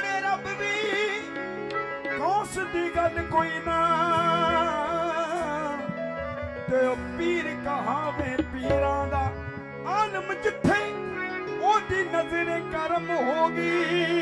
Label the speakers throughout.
Speaker 1: जाने रब भी कौस दी गल कोई ना ते पीर कहावे पीरां दा आलम जिथे ओदी नजर करम होगी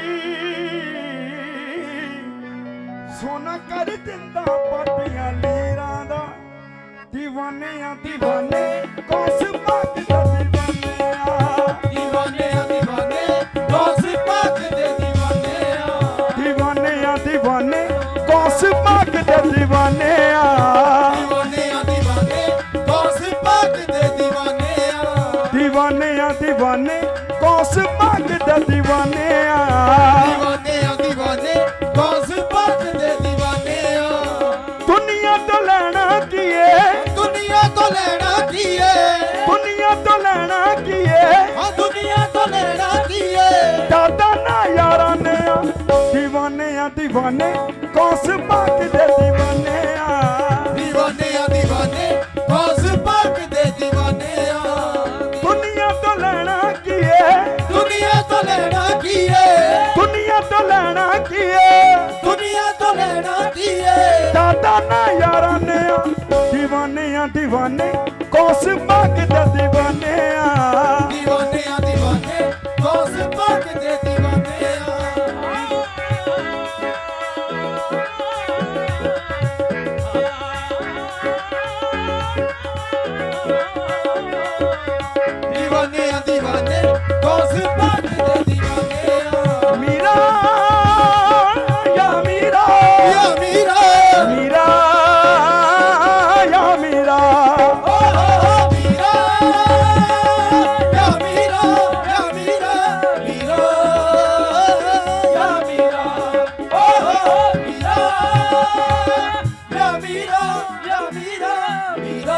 Speaker 1: सोना कर दिंदा पाटियां लीरां दा दीवाने आ दीवाने कौस पाक दा दीवाने आ
Speaker 2: दीवाने आ दीवाने कौस पाक दे दीवाने आ
Speaker 1: दीवाने आ दीवाने कौस पाक दे दीवाने आ
Speaker 2: दीवाने आ दीवाने कौस पाक दे दीवाने आ
Speaker 1: दीवाने आ दीवाने कौस पाक दे दीवाने आ
Speaker 2: दीवाने आ दीवाने कौस पाक दे दीवाने आ
Speaker 1: दुनिया तो लेना किए
Speaker 2: दुनिया तो लेना किए
Speaker 1: दुनिया तो लेना किए
Speaker 2: हाँ दुनिया तो लेना किए
Speaker 1: दादा ना यारा ने दीवाने आ दीवाने कौस पाक दे दीवाने आ
Speaker 2: दीवाने आ दीवाने कौस पाक दे दीवाने आ
Speaker 1: दुनिया तो लेना किए
Speaker 2: दुनिया तो लेना किए
Speaker 1: दुनिया तो लेना किए
Speaker 2: दुनिया तो लेना किए
Speaker 1: दादा ना यारा ने दीवाने आ दीवाने कौस पाक दे दीवाने आ
Speaker 2: दीवाने आ दीवाने कौस पाक दे दीवाने आ दीवाने आ दीवाने कौस पाक दे दीवाने आ
Speaker 1: मीरा या मीरा
Speaker 2: या मीरा
Speaker 1: मीरा या मीरा
Speaker 2: ओ मीरा या मीरा या मीरा मीरा या मीरा ओ मीरा या मीरा या मीरा मीरा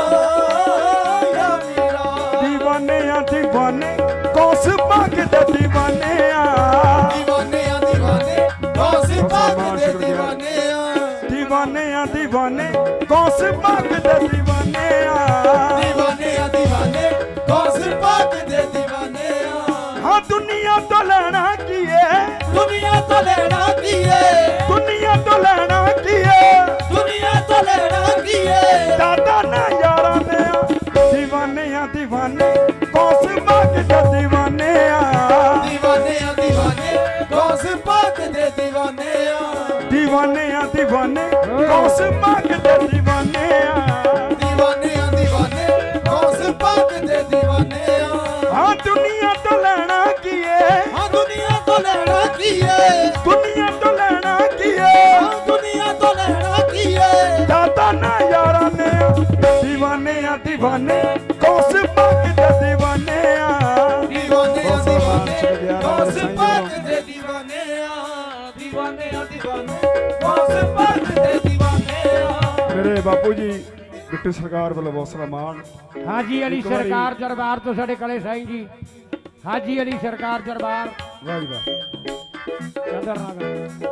Speaker 2: या मीरा
Speaker 1: दीवाने आ दीवाने कौस पाक दे दीवाने आ
Speaker 2: दीवाने आ दीवाने कौस पाक दे दीवाने आ
Speaker 1: दीवाने आ दीवाने कौस पाक दे दीवाने आ
Speaker 2: दीवाने आ दीवाने कौस पाक दे दीवाने आ
Speaker 1: हाँ दुनिया तो लेना किए
Speaker 2: दुनिया तो लेना किए
Speaker 1: दुनिया तो लेना किए
Speaker 2: दुनिया तो लेना किए
Speaker 1: दादा ना यारा ने दीवाने आ दीवाने कौस पाक दे दीवाने आ
Speaker 2: दीवाने आ दीवाने कौस पाक दे दीवाने आ
Speaker 1: दीवाने आ दीवाने कौस पाक दे दीवाने आ
Speaker 2: दीवाने आ दीवाने कौस पाक दे दीवाने आ
Speaker 1: हाँ दुनिया तो लेना किए
Speaker 2: हाँ दुनिया तो लेना किए
Speaker 1: दुनिया तो लेना किए
Speaker 2: हाँ दुनिया तो लेना किए
Speaker 1: दादा ना यारा ने दीवाने आ दीवाने कौस पाक दे दीवाने आ
Speaker 2: दीवाने आ दीवाने कौस पाक दे दीवाने आ दीवाने आ दीवाने कौस पाक दे दीवाने आ
Speaker 1: मेरे बापू जी बिट्टू सरकार ਵੱਲੋਂ ਬਹੁਤ ਸਾਰਾ ਮਾਣ
Speaker 3: हाजी अली सरकार दरबार तो साडे कले साईं जी हाजी अली सरकार दरबार
Speaker 1: ਵਾਹ ਜੀ ਵਾਹ
Speaker 3: चंदर नगर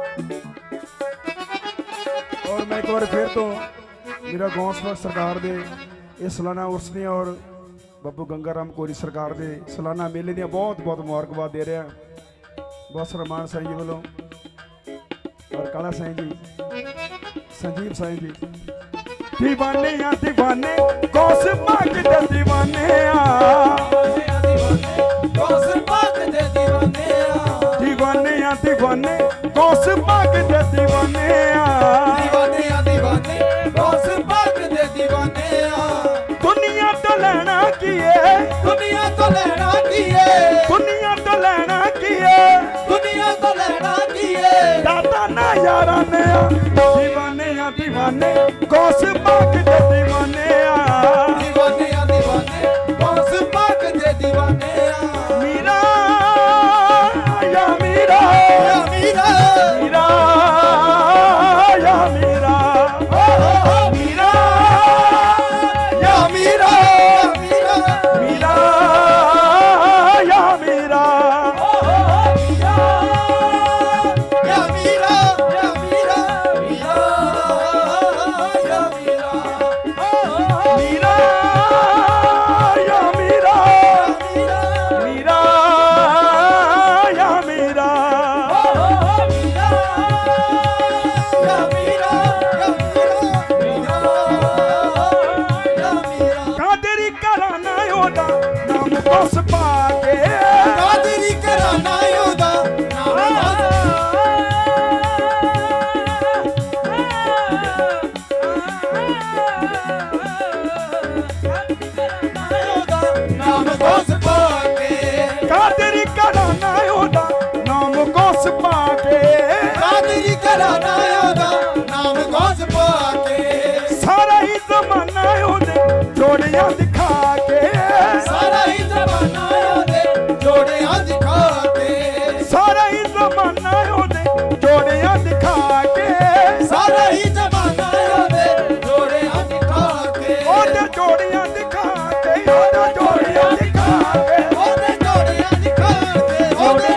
Speaker 1: ਔਰ ਮੈਂ ਇੱਕ ਵਾਰ ਫਿਰ ਤੋਂ ਮੇਰਾ ਗੌਂਸਲਾ ਸਰਕਾਰ ਦੇ ਇਹ ਸਾਲਾਨਾ ਉਰਸ ਦੀਆਂ ਔਰ ਬੱਬੂ ਗੰਗਾ ਰਾਮ ਕੋਰੀ ਸਰਕਾਰ ਦੇ ਸਾਲਾਨਾ ਮੇਲੇ ਦੀਆਂ ਬਹੁਤ ਬਹੁਤ ਮੁਬਾਰਕਬਾਦ ਦੇ ਰਿਹਾ ਬਹੁਤ ਸਾਰਾ ਮਾਣ ਸਾਈਂ ਜੀ ਵੱਲੋਂ ਔਰ ਕਾਲਾ ਸਾਈਂ ਜੀ ਸੰਜੀਵ ਸਾਈਂ ਜੀ दीवाने आ दीवाने कौस पाक दे दीवाने आ
Speaker 2: कौस पाक दे दीवाने आ
Speaker 1: दीवाने आ दीवाने कौस पाक दे दीवाने आ
Speaker 2: दीवाने आ दीवाने कौस पाक दे दीवाने आ
Speaker 1: दुनिया तो लेना किए
Speaker 2: दुनिया तो लेना किए
Speaker 1: दुनिया तो लेना किए
Speaker 2: दुनिया तो लेना किए
Speaker 1: दादा ना यारा ने दीवाने आ दीवाने कौस पाक दे दीवाने आ
Speaker 2: दीवाने आ दीवाने कौस पाक दे दीवाने आ
Speaker 1: मीरा या मीरा
Speaker 2: या मीरा
Speaker 1: मीरा या मीरा
Speaker 2: मीरा या मीरा मीरा
Speaker 1: मीरा या मीरा
Speaker 2: या मीरा या मीरा मीरा या मीरा
Speaker 1: ਗੌਸ ਪਾ ਕੇ
Speaker 2: ਕਾਦਰੀ ਘਰਾਣਾ ਉਹਦਾ ਨਾਮ ਗੌਸ ਪਾ ਕੇ
Speaker 1: ਸਾਰਾ ਹੀ ਜ਼ਮਾਨਾ ਉਹਦੇ ਜੋੜਿਆਂ ਦਿਖਾ ਕੇ
Speaker 2: ਸਾਰਾ ਹੀ ਜ਼ਮਾਨਾ ਉਹਦੇ ਜੋੜਿਆਂ ਦਿਖਾ ਕੇ
Speaker 1: ਸਾਰਾ ਹੀ ਜ਼ਮਾਨਾ ਉਹਦੇ ਜੋੜਿਆਂ ਦਿਖਾ ਕੇ
Speaker 2: ਸਾਰਾ ਹੀ ਜ਼ਮਾਨਾ ਉਹਦੇ ਜੋੜਿਆਂ ਦਿਖਾ ਕੇ
Speaker 1: ਉਹਦੇ ਜੋੜਿਆਂ ਦਿਖਾ ਕੇ ਉਹਦੇ ਜੋੜਿਆਂ ਦਿਖਾ ਕੇ
Speaker 2: ਉਹਦੇ ਜੋੜਿਆਂ ਦਿਖਾ ਕੇ ਉਹਦੇ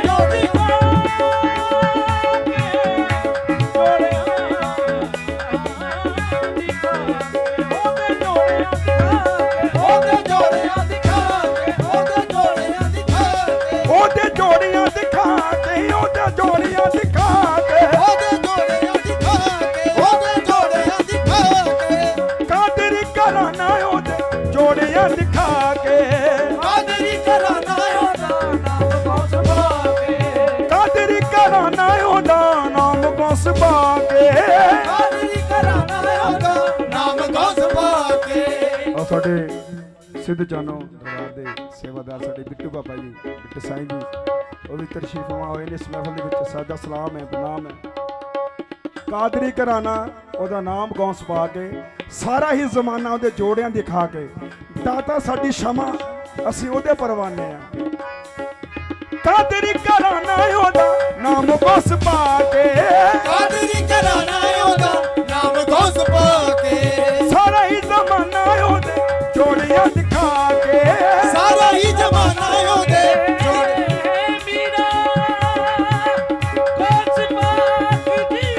Speaker 2: ਜੋੜਿਆਂ ਦਿਖਾ ਕੇ ਉਹਦੇ ਜੋੜਿਆਂ ਦਿਖਾ ਕੇ
Speaker 1: ਉਹਦੇ ਜੋੜਿਆਂ ਦਿਖਾ ਕੇ ਉਹਦੇ ਜੋੜਿਆਂ ਦਿਖਾ ਕੇ
Speaker 2: ਉਹਦੇ ਜੋੜਿਆਂ ਦਿਖਾ ਕੇ ਉਹਦੇ ਜੋੜਿਆਂ ਦਿਖਾ ਕੇ
Speaker 1: ਕਾਦਰੀ ਘਰਾਣਾ ਉਹਦੇ ਜੋੜਿਆਂ ਦਿਖਾ ਕੇ
Speaker 2: ਕਾਦਰੀ ਘਰਾਣਾ ਉਹਦਾ ਨਾਮ ਗੌਸ ਪਾ ਕੇ
Speaker 1: ਕਾਦਰੀ ਘਰਾਣਾ ਉਹਦਾ ਨਾਮ ਗੌਸ ਪਾ ਕੇ
Speaker 2: ਕਾਦਰੀ ਘਰਾਣਾ ਉਹਦਾ ਨਾਮ ਗੌਸ ਪਾ ਕੇ
Speaker 1: ਆ ਸਾਡੇ ਸਿੱਧ ਜਾਨੋ ਦਰਬਾਰ ਦੇ ਸੇਵਾਦਾਰ ਸਾਡੇ ਬਿੱਟੂ ਬਾਬਾ ਜੀ ਬਿੱਟੂ ਸਾਈਂ ਜੀ ਉਹ ਵੀ ਤਸ਼ਰੀਫ ਹੋਏ ਨੇ ਇਸ ਮਹਿਫਲ ਦੇ ਵਿੱਚ। ਸਾਡਾ ਸਲਾਮ ਹੈ, ਪ੍ਰਣਾਮ ਹੈ। ਕਾਦਰੀ ਘਰਾਣਾ ਉਹਦਾ ਨਾਮ ਗੌਸ ਪਾ ਕੇ ਸਾਰਾ ਹੀ ਜ਼ਮਾਨਾ ਉਹਦੇ ਜੋੜਿਆਂ ਦਿਖਾ ਕੇ ਦਾਤਾ ਸਾਡੀ ਸ਼ਮਾ ਅਸੀਂ ਉਹਦੇ ਪਰਵਾਨੇ ਆ। ਕਾਦਰੀ ਘਰਾਣਾ ਉਹਦਾ ਨਾਮ ਗੌਸ ਪਾ ਕੇ
Speaker 2: ਕਾਦਰੀ ਘਰਾਣਾ ਉਹਦਾ ਨਾਮ ਗੌਸ ਪਾ ਕੇ
Speaker 1: ਸਾਰਾ ਹੀ ਜ਼ਮਾਨਾ ਉਹਦੇ ਜੋੜਿਆਂ ਦਿਖਾ ਕੇ
Speaker 2: ਸਾਰਾ ਹੀ ਜ਼ਮਾਨਾ ਉਹਦੇ ਜੋੜੇ
Speaker 3: ਮੀਰਾ ਗੌਸ ਪਾਕ ਜੀ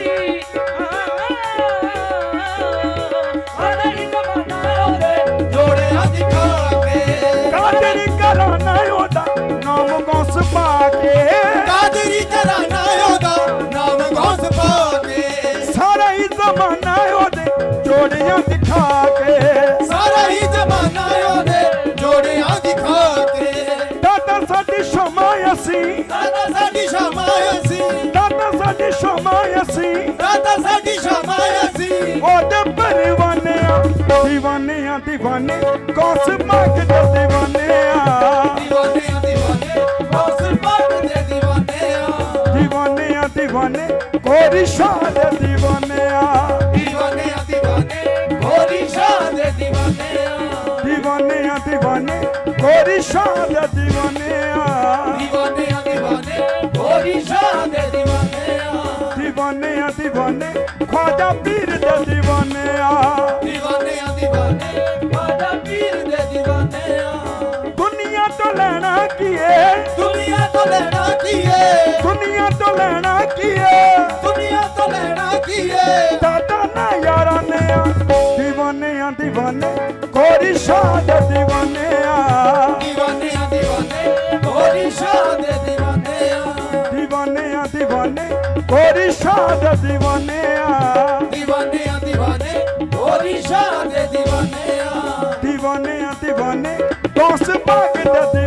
Speaker 3: ਸਾਰਾ ਹੀ ਜ਼ਮਾਨਾ ਉਹਦੇ
Speaker 2: ਜੋੜਿਆਂ ਦਿਖਾ ਕੇ
Speaker 1: ਕਾਦਰੀ ਘਰਾਣਾ ਉਹਦਾ ਨਾਮ ਗੌਸ ਪਾ ਕੇ
Speaker 2: ਕਾਦਰੀ ਘਰਾਣਾ ਉਹਦਾ ਨਾਮ ਗੌਸ ਪਾ ਕੇ
Speaker 1: ਸਾਰਾ ਹੀ ਜ਼ਮਾਨਾ ਉਹਦੇ ਜੋੜਿਆਂ ਦਿਖਾ ਕੇ
Speaker 2: ਸਾਰਾ ਹੀ ਜ਼ਮਾਨਾ ਉਹਦੇ ਜੋੜਿਆਂ ਦਿਖਾ ਕੇ
Speaker 1: ਦਾਤਾ ਸਾਡੀ ਸ਼ਮਾ ਅਸੀਂ
Speaker 2: ਦਾਤਾ ਸਾਡੀ ਸ਼ਾਮਾ ਅਸੀਂ
Speaker 1: ਦਾਤਾ ਸਾਡੀ ਸ਼ਮਾ ਅਸੀਂ
Speaker 2: ਦਾਤਾ ਸਾਡੀ ਸ਼ਾਮਾ ਅਸੀਂ
Speaker 1: ਉਹਦੇ ਪਰਵਾਨੇ ਆ دیਵਾਨੇ ਆ دیਵਾਨੇ ਗੌਸ ਪਾਕ ਦੇ دیਵਾਨੇ ਆ
Speaker 2: دیਵਾਨੇ ਆ دیਵਾਨੇ ਗੌਸ ਪਾਕ ਦੇ دیਵਾਨੇ ਆ
Speaker 1: دیਵਾਨੇ ਆ دیਵਾਨੇ ਗੋਰੀ ਸ਼ਾਹ ਦੇ دیਵਾਨੇ ਆ
Speaker 2: دیਵਾਨੇ ਆ دیਵਾਨੇ ਗੋਰੀ ਸ਼ਾਹ ਦੇ دیਵਾਨੇ ਆ
Speaker 1: دیਵਾਨੇ ਆ دیਵਾਨੇ ਗੋਰੀ ਸ਼ਾਹ ਦੇ دیਵਾਨੇ ਆ
Speaker 2: دیਵਾਨੇ ਆ دیਵਾਨੇ ਗੋਰੀ ਸ਼ਾਹ ਦੇ دیਵਾਨੇ ਆ
Speaker 1: دیਵਾਨੇ ਆ دیਵਾਨੇ ਖਵਾਜਾ ਪੀਰ ਦੇ دیਵਾਨੇ ਆ
Speaker 2: دیਵਾਨੇ ਆ دیਵਾਨੇ ਬਾਦਾ ਪੀਰ ਦੇ دیਵਾਨੇ ਆ
Speaker 1: ਦੁਨੀਆ ਤੋਂ ਲੈਣਾ ਕੀਏ
Speaker 2: ਦੁਨੀਆ ਤੋਂ ਲੈਣਾ ਕੀਏ
Speaker 1: ਦੁਨੀਆ ਤੋਂ ਲੈਣਾ ਕੀਏ
Speaker 2: ਦੁਨੀਆ ਤੋਂ ਲੈਣਾ ਕੀਏ
Speaker 1: ਦਾਦਾ ਨਾ ਯਾਰਾਂ ਨੇ ਆ دیਵਾਨੇ ਆ دیਵਾਨੇ ਗੋਰੀ ਸ਼ਾਹ ਦੇ دیਵਾਨੇ ਆ
Speaker 2: دیਵਾਨੇ ਆ دیਵਾਨੇ ਗੋਰੀ ਸ਼ਾਹ ਦੇ دیਵਾਨੇ ਆ
Speaker 1: دیਵਾਨੇ ਆ دیਵਾਨੇ ਗੋਰੀ ਸ਼ਾਹ ਦੇ دیਵਾਨੇ ਆ
Speaker 2: دیਵਾਨੇ ਆ دیਵਾਨੇ ਗੋਰੀ ਸ਼ਾਹ ਦੇ دیਵਾਨੇ ਆ
Speaker 1: دیਵਾਨੇ ਆ دیਵਾਨੇ ਗੌਸ ਪਾਕ ਦੇ